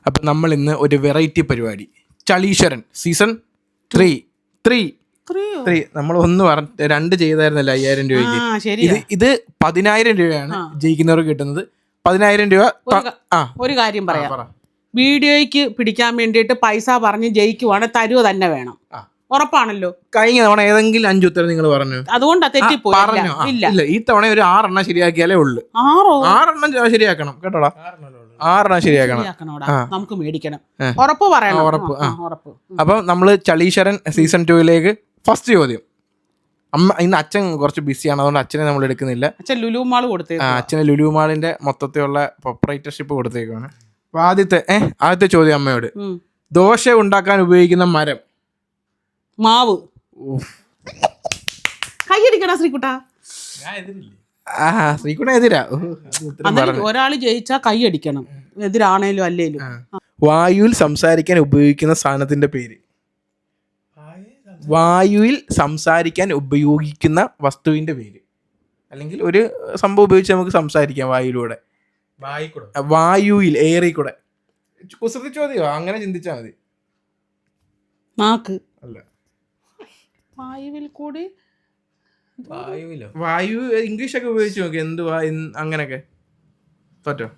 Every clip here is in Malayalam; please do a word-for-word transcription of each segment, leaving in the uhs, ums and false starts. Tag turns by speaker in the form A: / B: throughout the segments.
A: അപ്പം നമ്മൾ ഇന്ന് ഒരു വെറൈറ്റി പരിപാടി, Chaleeswaran season three three three നമ്മൾ ഒന്ന് പറഞ്ഞ രണ്ട് ചെയ്തായിരുന്നല്ലോ അയ്യായിരം രൂപയ്ക്ക്. ഇത് ഇത് പതിനായിരം രൂപയാണ് ജയിക്കുന്നവർക്ക് കിട്ടുന്നത്. പതിനായിരം രൂപ. ആ
B: ഒരു കാര്യം പറയാം, വീഡിയോയ്ക്ക് പിടിക്കാൻ വേണ്ടിയിട്ട് പൈസ പറഞ്ഞ് ജയിക്കുവാണ്, തരുവ തന്നെ വേണം. ഉറപ്പാണല്ലോ.
A: കഴിഞ്ഞ തവണ ഏതെങ്കിലും അഞ്ചു ഉത്തരം നിങ്ങൾ പറഞ്ഞു,
B: അതുകൊണ്ടാ തെറ്റിപ്പോയി.
A: ഇല്ല, ഈ തവണ ഒരു ആറെണ്ണം ശരിയാക്കിയാലേ ഉള്ളു. ആറെണ്ണം ശരിയാക്കണം കേട്ടോടാ, ആറെണ്ണം ശരിയാക്കണം.
B: നമുക്ക് മേടിക്കണം, ഉറപ്പ് പറയണം.
A: ഉറപ്പ്. അപ്പം നമ്മള് ചളീശ്വരൻ സീസൺ ടൂയിലേക്ക് ഫസ്റ്റ് ചോദ്യം. അമ്മ ഇന്ന് അച്ഛൻ കുറച്ച് ബിസിയാണ്, അതുകൊണ്ട് അച്ഛനെ നമ്മൾ എടുക്കുന്നില്ല.
B: അച്ഛൻ ലുലു മാൾ കൊടുത്തേ
A: അച്ഛന് ലുലു മാളിന്റെ മൊത്തത്തിലുള്ള പ്രൊപ്പറേറ്റർഷിപ്പ് കൊടുത്തേക്കാണ്. അപ്പൊ ആദ്യത്തെ ഏഹ് ആദ്യത്തെ ചോദ്യം അമ്മയോട്, ദോശ ഉണ്ടാക്കാൻ ഉപയോഗിക്കുന്ന മരം.
B: മാവ്. കൈയടിക്കണ ശ്രീകുട്ട.
A: ശ്രീകുട്ട എതിരാ.
B: ഒരാള് ജയിച്ചാ കൈയടിക്കണം, എതിരാണേലും അല്ലേലും.
A: വായുവിൽ സംസാരിക്കാൻ ഉപയോഗിക്കുന്ന സാധനത്തിന്റെ പേര്. വായുവിൽ സംസാരിക്കാൻ ഉപയോഗിക്കുന്ന വസ്തുവിന്റെ പേര്, അല്ലെങ്കിൽ ഒരു സംഭവം ഉപയോഗിച്ച് നമുക്ക് സംസാരിക്കാം വായുവിലൂടെ. വായുവിൽ, എയറിൽ കൂടെ. കുസൃതി ചോദ്യമോ? അങ്ങനെ ചിന്തിച്ചാൽ മതി.
B: നാക്ക്
A: അല്ല,
B: വായുവിൽ കൂടി.
A: വായുവിലോ? വായു ഇംഗ്ലീഷൊക്കെ ഉപയോഗിച്ച് നോക്കി, എന്തുവാ അങ്ങനൊക്കെ. തോറ്റോ?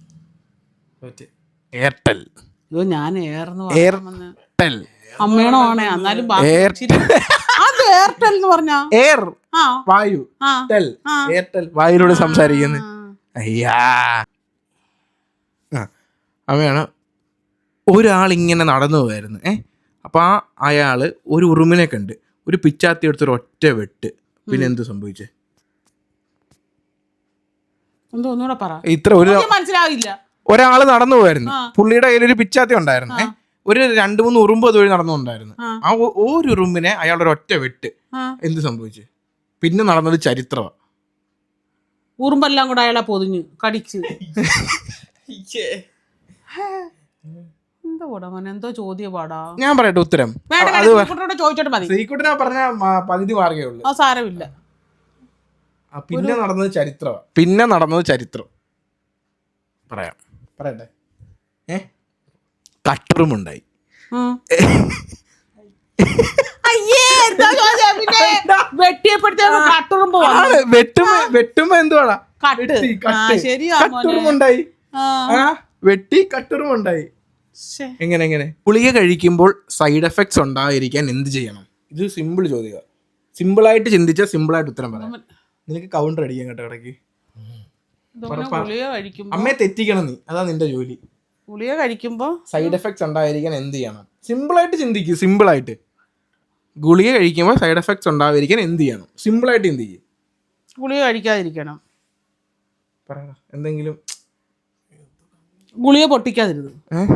A: എയർടെൽ.
B: അയ്യോ, ഞാൻ എയർന്ന്
A: എയർടെൽ
B: അമ്മേണോ ആണേ, എന്നാലും അത് എയർടെൽ എന്ന് പറഞ്ഞാ
A: എയർ, വായു, ടെൽ, എയർടെൽ, വായുവിലൂടെ സംസാരിക്കുന്നത്. അയ്യാ, അമ്മയാണ്. ഒരാളിങ്ങനെ നടന്നു പോയായിരുന്നു. ഏഹ് അപ്പൊ ആ അയാള് ഒരു ഉറുമിനെ കണ്ട് ഒരു പിച്ചാത്തി എടുത്തൊരു ഒറ്റ വെട്ട്. പിന്നെ എന്ത് സംഭവിച്ചേ? ഇത്ര ഒരു
B: മനസ്സിലാവില്ല.
A: ഒരാള് നടന്നു പോയായിരുന്നു, പുള്ളിയുടെ കയ്യിൽ ഒരു പിച്ചാത്തി ഉണ്ടായിരുന്നു. ഏഹ് ഒരു രണ്ട് മൂന്ന് ഉറുമ്പ് അതുവഴി നടന്നുണ്ടായിരുന്നു. ആ ഒരു ഉറുമ്പിനെ അയാളുടെ ഒറ്റ വെട്ട്. എന്ത് സംഭവിച്ചു? പിന്നെ നടന്നത് ചരിത്രമാണ്.
B: ഉറുമ്പെല്ലാം കൂടെ അയാളെ പൊതിഞ്ഞ് കടിച്ച്. എന്തോ ചോദ്യം പാടാ.
A: ഞാൻ പറയട്ടെ ഉത്തരം?
B: ചോദിച്ചോട്ട് മതി.
A: ശ്രീകുട്ടനെ പറഞ്ഞ പകുതി മാർഗേ ഉള്ളൂ.
B: ആ സാരമില്ല.
A: പിന്നെ നടന്നത് ചരിത്രമാണ്. പിന്നെ നടന്നത് ചരിത്രം പറയാം. പറയട്ടെ. ഏ കട്ടുറുമുണ്ടായി. വെട്ടുമ്പോ വെട്ടുമ്പോ എന്തുവാടാ? കട്ടുറുമുണ്ടായി. വെട്ടി കട്ടുറുമുണ്ടായി. എങ്ങനെ എങ്ങനെ? ഗുളിക കഴിക്കുമ്പോൾ സൈഡ് എഫക്ട്സ് ഉണ്ടായിരിക്കാൻ എന്ത് ചെയ്യണം? ഇത് സിമ്പിൾ ചോദ്യമാണ്. സിമ്പിൾ ആയിട്ട് ചിന്തിച്ചാൽ സിമ്പിൾ ആയിട്ട് ഉത്തരം പറയാം. നിനക്ക് കൗണ്ടർ അടിക്കാൻ കേട്ടോ ഇടയ്ക്ക്. അമ്മയെ തെറ്റിക്കണം നീ, അതാ നിന്റെ ജോലി.
B: ഗുളിക കഴിക്കുമ്പോ
A: സൈഡ് എഫക്ട്സ് ഉണ്ടായിരിക്കാൻ എന്ത് ചെയ്യണം? സിമ്പിൾ ആയിട്ട് ചിന്തിക്കും. സിമ്പിൾ ആയിട്ട് ഗുളിക കഴിക്കുമ്പോൾ സൈഡ് എഫക്ട്സ് ഉണ്ടായിരിക്കാൻ എന്ത് ചെയ്യണം? സിമ്പിൾ ആയിട്ട് ചിന്തിക്കും.
B: ഗുളിക കഴിക്കാതിരിക്കണം.
A: പറയണ എന്തെങ്കിലും.
B: ഗുളിക പൊട്ടിക്കാതിരുത്.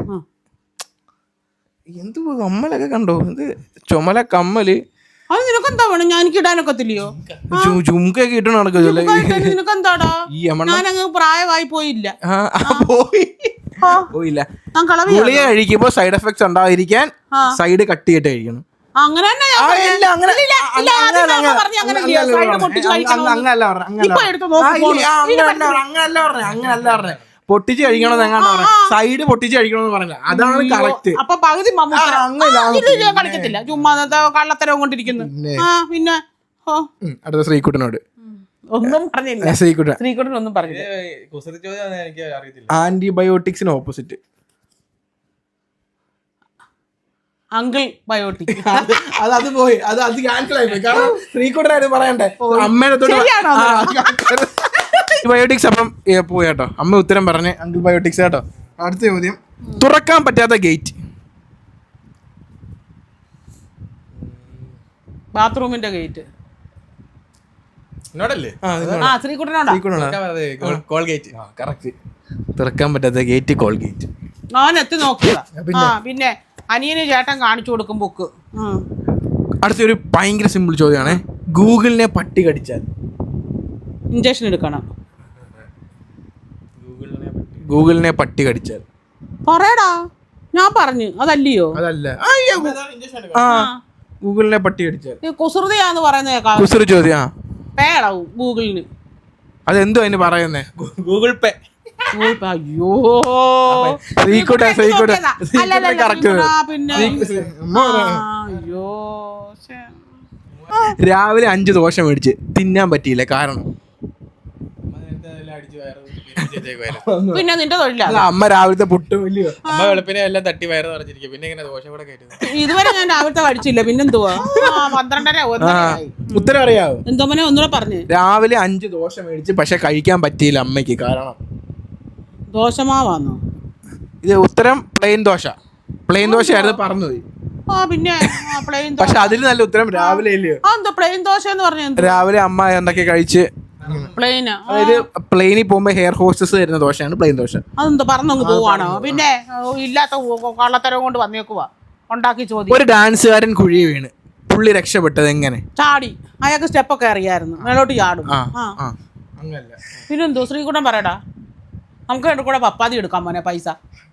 A: എന്ത് കമ്മലൊക്കെ കണ്ടോ? ഇത് ചുമല കമ്മല്.
B: അത് നിനക്കെന്താ വേണം? ഞാൻ എനിക്ക് ഇടാനൊക്കത്തില്ലയോ?
A: ചുമക്കൊക്കെ ഇട്ടു നടക്കില്ല.
B: നിനക്കെന്താടാ? ഞാനങ്ങ് പ്രായമായി പോയില്ല.
A: പോയില്ല. ഗുളിക കഴിക്കുമ്പോ സൈഡ് എഫക്ട്സ് ഉണ്ടായിരിക്കാൻ സൈഡ് കട്ട് ചെയ്തിട്ട് കഴിക്കണം.
B: അങ്ങനെ
A: പൊട്ടിച്ച് കഴിക്കണമെന്ന് എങ്ങാണ്ട് പറഞ്ഞ, സൈഡ് പൊട്ടിച്ച് കഴിക്കണമെന്ന് പറഞ്ഞ, അതാണ് കറക്റ്റ്.
B: അപ്പൊ പകുതി കളിക്കത്തില്ല, ചുമ്മാ കള്ളത്തരവും കൊണ്ടിരിക്കുന്നു. പിന്നെ
A: അടുത്ത ശ്രീകുട്ടനോട്
B: ഒന്നും പറഞ്ഞില്ല.
A: ശ്രീകുട്ടൻ
B: ശ്രീകുട്ടൻ ഒന്നും പറഞ്ഞില്ല.
A: ആന്റിബയോട്ടിക്സിന് ഓപ്പോസിറ്റ്
B: അങ്കിൾ ബയോട്ടിക്.
A: അത് അത് പോയി, അത് അത് ക്യാൻസൽ ആയി പോയി. കാരണം ശ്രീകുട്ടനായിരുന്നു പറയണ്ടേ. അമ്മേനെ ബയോട്ടിക്സ് അപ്പം പോയി കേട്ടോ. അമ്മ ഉത്തരം പറഞ്ഞേ അങ്കിൾ ബയോട്ടിക്സ് കേട്ടോ. അടുത്ത ചോദ്യം, തുറക്കാൻ പറ്റാത്ത ഗേറ്റ്.
B: ബാത്റൂമിന്റെ ഗേറ്റ്.
A: തുറക്കാൻ പറ്റാത്ത ഗേറ്റ് കോൾഗേറ്റ്.
B: ഞാൻ എത്തി നോക്കുക. പിന്നെ അനിയന് ചേട്ടൻ കാണിച്ചു കൊടുക്കും ബുക്ക്.
A: അടുത്തൊരു ഭയങ്കര സിമ്പിൾ ചോദ്യമാണ്, ഗൂഗിളിനെ പട്ടി കടിച്ചാൽ
B: ഇഞ്ചക്ഷൻ എടുക്കണം.
A: ഗൂഗിളിനെ പട്ടി കടിച്ചാൽ
B: പറയടാ. ഞാൻ പറഞ്ഞു അതല്ലയോ?
A: അതല്ല. ആ ഗൂഗിളിനെ പട്ടി കടിച്ചാൽ
B: കുസൃതിയാന്ന് പറയുന്നേക്കാ.
A: കുസൃതി ചോദ്യം.
B: പേടാവും ഗൂഗിളിന്.
A: അതെന്തോ അതിന് പറയുന്നേ?
C: ഗൂഗിൾ പേ.
B: ഓ, അയ്യോ
A: ശ്രീകുട്ട ശ്രീകുട്ട
B: അല്ലല്ല
A: കറക്റ്റ്.
B: പിന്നെ അയ്യോ ശ്ശെ.
A: രാവിലെ അഞ്ച് ദോശ മേടിച്ച് തിന്നാൻ പറ്റിയില്ല കാരണം
B: പിന്നെ നിന്റെ തൊഴിലാ.
A: അല്ല, അമ്മ രാവിലത്തെ പുട്ടും ഇല്ലയോ.
C: അമ്മ വെളുപ്പിനെ എല്ലാം തട്ടി വയറ് നിറഞ്ഞിരിക്കും. പിന്നെ ഇങ്ങനെ ദോശ കൂടെ കയറ്റുന്നു.
B: ഇതുവരെ ഞാൻ രാവിലത്തെ കഴിച്ചില്ല. പിന്നെന്തുവാ ആ, പന്ത്രണ്ടര ഒന്നരയായി.
A: ഉത്തരം അറിയാവോ?
B: എന്തോ മോനെ ഒന്നുകൂടെ പറഞ്ഞു.
A: രാവിലെ അഞ്ച് ദോശ മേടിച്ച് പക്ഷെ കഴിക്കാൻ പറ്റിയില്ല അമ്മയ്ക്ക് കാരണം
B: ദോശമാവാന്നോ?
A: ഇത് ഉത്തരം പ്ലെയിൻ ദോശ. പ്ലെയിൻ ദോശയായിരുന്നു പറഞ്ഞത്.
B: ആ പിന്നെ പ്ലെയിൻ ദോശ.
A: പക്ഷെ അതിൽ നല്ല ഉത്തരം രാവിലെ ഇല്ലയോ.
B: ആ എന്തോ പ്ലെയിൻ ദോശ എന്ന് പറഞ്ഞ
A: രാവിലെ അമ്മ എന്തൊക്കെ കഴിച്ച്
B: പ്ലെയിൻ.
A: അതായത് പ്ലെയിനിൽ പോകുമ്പോ ഹെയർ ഹോസ്റ്റസ് തരുന്ന ദോശയാണ് പ്ലെയിൻ ദോശ.
B: അതെന്തോ പറഞ്ഞങ്ങ് പോവാണോ? പിന്നെ ഇല്ലാത്ത കള്ളത്തരം കൊണ്ട് വന്നേക്കുവാ ഉണ്ടാക്കി ചോദ്യം.
A: ഒരു ഡാൻസുകാരൻ കുഴി വീണ് പുള്ളി രക്ഷപ്പെട്ടത് എങ്ങനെ?
B: ചാടി. അയാൾക്ക് സ്റ്റെപ്പൊക്കെ അറിയായിരുന്നു. മേലോട്ട് ചാടും.
A: ആ
B: ആ
A: ആ അങ്ങനല്ല.
B: പിന്നെന്തോ ശ്രീകുട്ടൻ പറയടാ. നമുക്ക് രണ്ടു കൂടെ പപ്പാതി എടുക്കാം മോനെ പൈസ.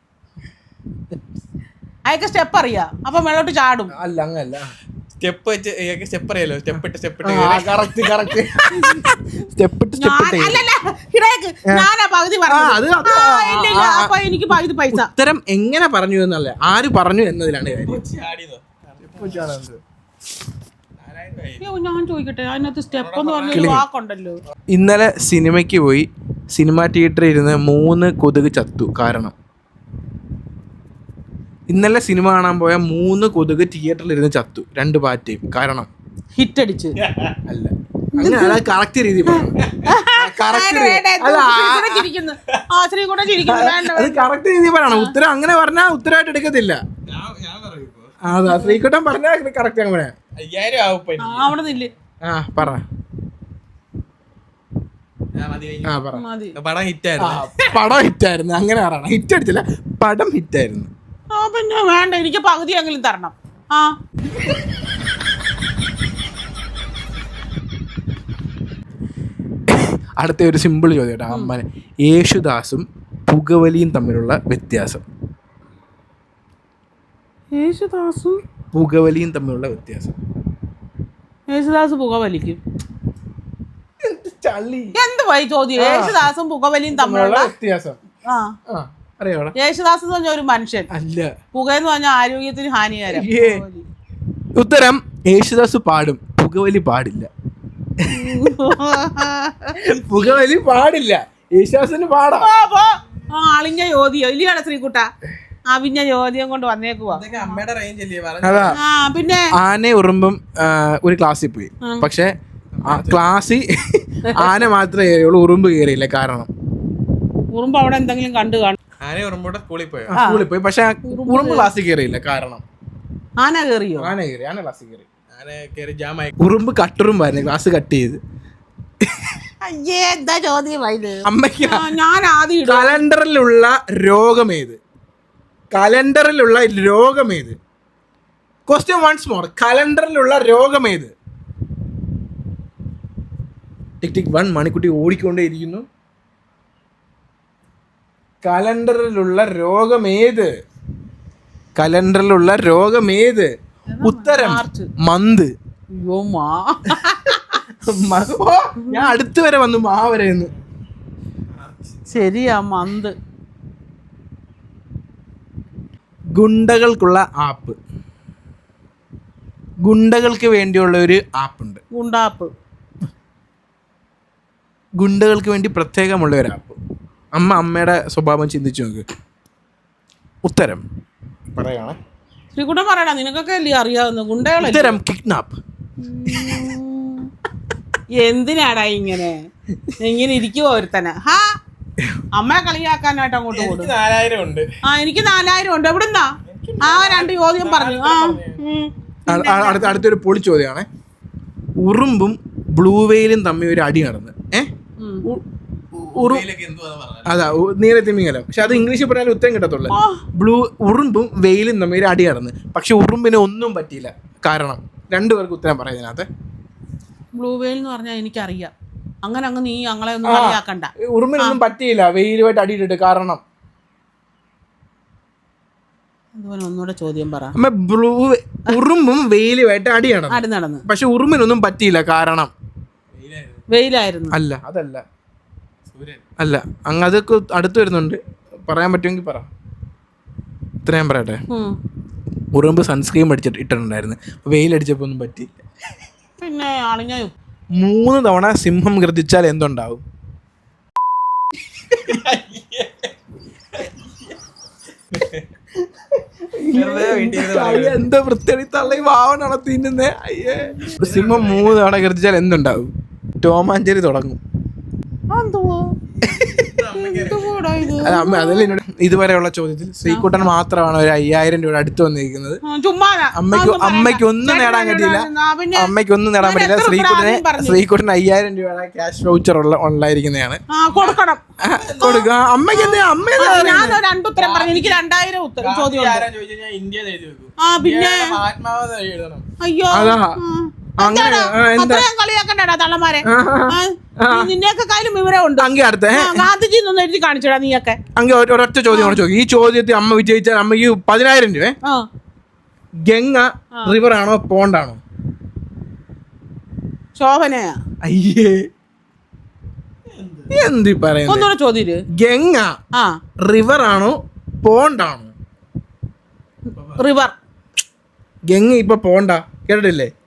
B: അയാൾക്ക് സ്റ്റെപ്പ് അറിയാം. അപ്പൊ മേലോട്ട് ചാടും.
A: അല്ല അങ്ങനല്ല.
C: സ്റ്റെപ്പ് വെച്ച് സ്റ്റെപ്പ് അറിയാലോ. സ്റ്റെപ്പ് ഇട്ട് സ്റ്റെപ്പ് ഇട്ട്
A: കറക്റ്റ് കറക്റ്റ് സ്റ്റെപ്പ് ഇട്ട് സ്റ്റെപ്പ് ഇട്ട്
B: അല്ലല്ല ഹിഡേക്ക് ഞാനാ പകുതി പറഞ്ഞത്.
A: അത് അത്
B: ആ, ഇല്ല, ഇല്ല. അപ്പൊ എനിക്ക് പകുതി പൈസ.
A: ഉത്തരം എങ്ങനെ പറഞ്ഞു എന്നല്ല ആര് പറഞ്ഞു എന്നതിലാണ് കാര്യം.
C: ചാടിയതോ?
B: അയ്യോ, ഞാൻ ചോദിക്കട്ടെ, അതിനകത്ത് സ്റ്റെപ്പ് എന്ന് പറഞ്ഞൊരു വാക്കുണ്ടല്ലോ.
A: ഇന്നലെ സിനിമയ്ക്ക് പോയി. സിനിമ തിയേറ്ററിൽ ഇരുന്ന് മൂന്ന് കൊതുക് ചത്തു കാരണം ഇന്നലെ സിനിമ കാണാൻ പോയ മൂന്ന് കൊതുക് തിയേറ്ററിൽ ഇരുന്ന് ചത്തു. രണ്ട് പാറ്റയും കാരണം
B: ഹിറ്റ് അടിച്ച്.
A: അല്ല അങ്ങനെ കറക്റ്റ് രീതി അത് കറക്റ്റ് രീതി പറയണം. ഉത്തരം അങ്ങനെ പറഞ്ഞാൽ ഉത്തരമായിട്ട് എടുക്കത്തില്ല. അതാ ശ്രീകുട്ടൻ പറഞ്ഞാൽ കറക്റ്റ് അങ്ങനെ പറയാം.
C: അയ്യായിരം ആവും.
B: അവിടെ നില്ല്.
A: ആ പറ. ആ പറ.
B: മതി.
C: പടം ഹിറ്റായിരുന്നു.
A: പടം ഹിറ്റായിരുന്നു. അങ്ങനെ പറയണം. ഹിറ്റ് അടിച്ചില്ല, പടം ഹിറ്റായിരുന്നു.
B: ആ പിന്നെ വേണ്ട, എനിക്ക് പകുതി എങ്കിലും തരണം. ആ
A: അടുത്ത ഒരു സിമ്പിൾ ചോദ്യം കേട്ടോ അമ്മനെ. യേശുദാസും പുകവലിയും തമ്മിലുള്ള വ്യത്യാസം.
B: യേശുദാസും
A: പുകവലിയും തമ്മിലുള്ള വ്യത്യാസം.
B: യേശുദാസ് പുകവലിക്കും.
A: ചള്ളി
B: എന്ത് പോയി ചോദ്യം? യേശുദാസും പുകവലിയും തമ്മിലുള്ള
A: വ്യത്യാസം
B: ആ
A: അറിയാവോ?
B: യേശുദാസ് എന്ന് പറഞ്ഞ ഒരു മനുഷ്യൻ.
A: അല്ല,
B: പുകയെന്ന് പറഞ്ഞാൽ ആരോഗ്യത്തിന് ഹാനികരം.
A: ഉത്തരം യേശുദാസ് പാടും, പുകവലി പാടില്ല. പുകവലി പാടില്ല, യേശുദാസിന് പാടാം.
B: ആളിഞ്ഞ ചോദ്യം ഇല്ലയാണ് ശ്രീകുട്ട. അവിഞ്ഞ ചോദ്യം കൊണ്ട് വന്നേക്കുവാ.
C: അമ്മയുടെ റേഞ്ച് അല്ലേ?
A: അതാ
B: ആ പിന്നെ
A: ആന ഉറുമ്പും ഒരു ക്ലാസ്സിൽ പോയി. പക്ഷെ ക്ലാസ്സിൽ ആന മാത്രമേ കയറിയുള്ളൂ, ഉറുമ്പ് കയറിയില്ല. കാരണം
B: ഉറുമ്പ് അവിടെ എന്തെങ്കിലും കണ്ടു കാണും.
C: ആന ഉറുമ്പോടെ സ്കൂളിൽ പോയോ?
A: സ്കൂളിൽ പോയി, പക്ഷെ ഉറുമ്പ് ക്ലാസ്സിൽ കയറിയില്ല. കാരണം
B: ആന കയറിയോ?
A: ആന കയറി, ആന ക്ലാസ്സിൽ കയറി.
C: ആന കയറി ജാമായി.
A: ഉറുമ്പ് കട്ടുറുമ്പായിരുന്നു, ക്ലാസ് കട്ട് ചെയ്ത്.
B: അയ്യേ, എന്താ ചോദ്യം?
A: അമ്മയ്ക്ക്
B: ഞാൻ ആദ്യം
A: കലണ്ടറിലുള്ള രോഗമേത്? കലണ്ടറിലുള്ള രോഗമേത്? Question once more. കലണ്ടറിലുള്ള രോഗമേത്? Tick tick one. മണിക്കുട്ടി ഓടിക്കൊണ്ടേയിരിക്കുന്നു. കലണ്ടറിലുള്ള രോഗമേത്? കലണ്ടറിലുള്ള രോഗമേത്? ഉത്തരം മന്ത്.
B: അയ്യോ മാ,
A: ഞാൻ അടുത്ത് വരെ വന്നു മാ വരെ.
B: ശരിയാ, മന്ത്.
A: ഗുണ്ടകൾക്കുള്ള ആപ്പ്. ഗുണ്ടകൾക്ക് വേണ്ടിയുള്ള ഒരു ആപ്പ് ഉണ്ട്.
B: ഗുണ്ടാപ്പ്.
A: ഗുണ്ടകൾക്ക് വേണ്ടി പ്രത്യേകമുള്ള ഒരു ആപ്പ്. അമ്മ അമ്മയുടെ സ്വഭാവം ചിന്തിച്ചു നോക്ക്. ഉത്തരം പറയണേ.
B: ശ്രീകുട്ടൻ പറയണ, നിനക്കൊക്കെ അല്ലേ അറിയാവുന്ന ഗുണ്ടകളെ.
A: ഉത്തരം കിഡ്നാപ്പ്.
B: എന്തിനാടാ ഇങ്ങനെ ഇങ്ങനെ ഇരിക്കുവോ ഒരുത്തന? ഹാ, അമ്മയെ കളിയാക്കാനായിട്ട് അങ്ങോട്ട് പോകും.
C: നാലായിരം ഉണ്ട്.
B: ആ എനിക്ക് നാലായിരം ഉണ്ട്. എവിടുന്നാ? ആ രണ്ട് ചോദ്യം പറഞ്ഞു. ആ
A: അടുത്ത അടുത്തൊരു പൊളി ചോദ്യമാണ്. ഉറുമ്പും ബ്ലൂ വെയിലും തമ്മിൽ ഒരു അടി നടന്ന്. ഏഹ് അതാ നീലത്തിമിംഗലം. പക്ഷെ അത് ഇംഗ്ലീഷിൽ പറഞ്ഞാൽ ഉത്തരം കിട്ടത്തുള്ളൂ. ബ്ലൂ ഉറുമ്പും വെയിലും തമ്മിൽ ഒരു അടി നടന്ന്. പക്ഷെ ഉറുമ്പിന് ഒന്നും പറ്റിയില്ല. കാരണം രണ്ടുപേർക്ക് ഉത്തരം പറയുന്നതിനകത്ത്.
B: ബ്ലൂ വെയിൽ എന്ന് പറഞ്ഞാൽ എനിക്കറിയാം. അങ്ങനെ അങ്ങ് നീ ഞങ്ങളെ ഒന്നും കളിയാക്കണ്ട.
A: ഉറുമ്പിനൊന്നും പറ്റിയില്ല വെയിലുമായിട്ട് അടിയിട്ടിട്ട്. കാരണം
B: അതുപോലെ ഒന്നുകൂടെ ചോദ്യം പറ.
A: അമ്മ ബ്ലൂ ഉറുമ്പും വെയിലുമായിട്ട് അടിയാണ്
B: അടി നടന്നു.
A: പക്ഷെ ഉറുമ്പിനൊന്നും പറ്റിയില്ല. കാരണം
B: വെയിലായിരുന്നു.
A: അല്ല, അതല്ല. അല്ല, അങ്ങ് അതൊക്കെ അടുത്ത് വരുന്നുണ്ട്. പറയാൻ പറ്റുമെങ്കിൽ പറ. ഇത്ര ഞാൻ പറയട്ടെ. ഉറുമ്പ് സൺസ്ക്രീൻ അടിച്ചിട്ട് ഇട്ടിട്ടുണ്ടായിരുന്നു. വെയിലടിച്ചപ്പോൾ ഒന്നും പറ്റിയില്ല.
B: പിന്നെ അളിഞ്ഞ
A: മൂന്ന് തവണ സിംഹം ഗർജിച്ചാൽ എന്തുണ്ടാവും? എന്താ വൃത്തിയടി തള്ളി വാവണാണോ തിന്നുന്നേ? അയ്യേ. സിംഹം മൂന്ന് തവണ ഗർജിച്ചാൽ എന്തുണ്ടാവും? ടോമാഞ്ചേരി തുടങ്ങും. അല്ല അമ്മ, അതല്ലേ എന്നോട് ഇതുവരെയുള്ള ചോദ്യത്തിൽ ശ്രീകുട്ടൻ മാത്രമാണ് ഒരു അയ്യായിരം രൂപ അടുത്ത് വന്നിരിക്കുന്നത്. അമ്മയ്ക്ക് അമ്മയ്ക്ക് ഒന്നും നേടാൻ പറ്റിയില്ല. അമ്മയ്ക്ക് ഒന്നും നേടാൻ പറ്റില്ല. ശ്രീകുട്ടനെ ശ്രീകുട്ടൻ അയ്യായിരം രൂപയുടെ ക്യാഷ് വൗച്ചർ ഉള്ള ഉണ്ടായിരിക്കുന്നതാണ്.
B: കൊടുക്കണം.
A: കൊടുക്കുക. അമ്മയ്ക്ക് എന്താ? അമ്മ
B: രണ്ടുത്തരം പറഞ്ഞു. എനിക്ക് രണ്ടായിരം ഉത്തരം ചോദ്യം. പിന്നെ അയ്യോ കളിയാക്കണ്ടാ തള്ളമാരെ. നിന്നെയൊക്കെ കാര്യം വിവരമുണ്ട്. ഗാന്ധിജി ഒന്ന് എഴുതി കാണിച്ചടാ നീയൊക്കെ.
A: അങ്ങ് ഒരൊറ്റ ചോദ്യം ചോദിക്കും. ഈ ചോദ്യത്തിൽ അമ്മ വിജയിച്ചാൽ അമ്മയ്ക്ക് പതിനായിരം രൂപ. ഗംഗ റിവർ ആണോ പോണ്ടാണോ?
B: ശോഭനയാ.
A: അയ്യേ, എന്ത് പറയുന്നത്?
B: ചോദ്യം.
A: ഗംഗ റിവർ ആണോ പോണ്ടാണോ?
B: റിവർ.
A: ഗംഗ ഇപ്പൊ പോണ്ട കേട്ടിട്ടില്ലേ?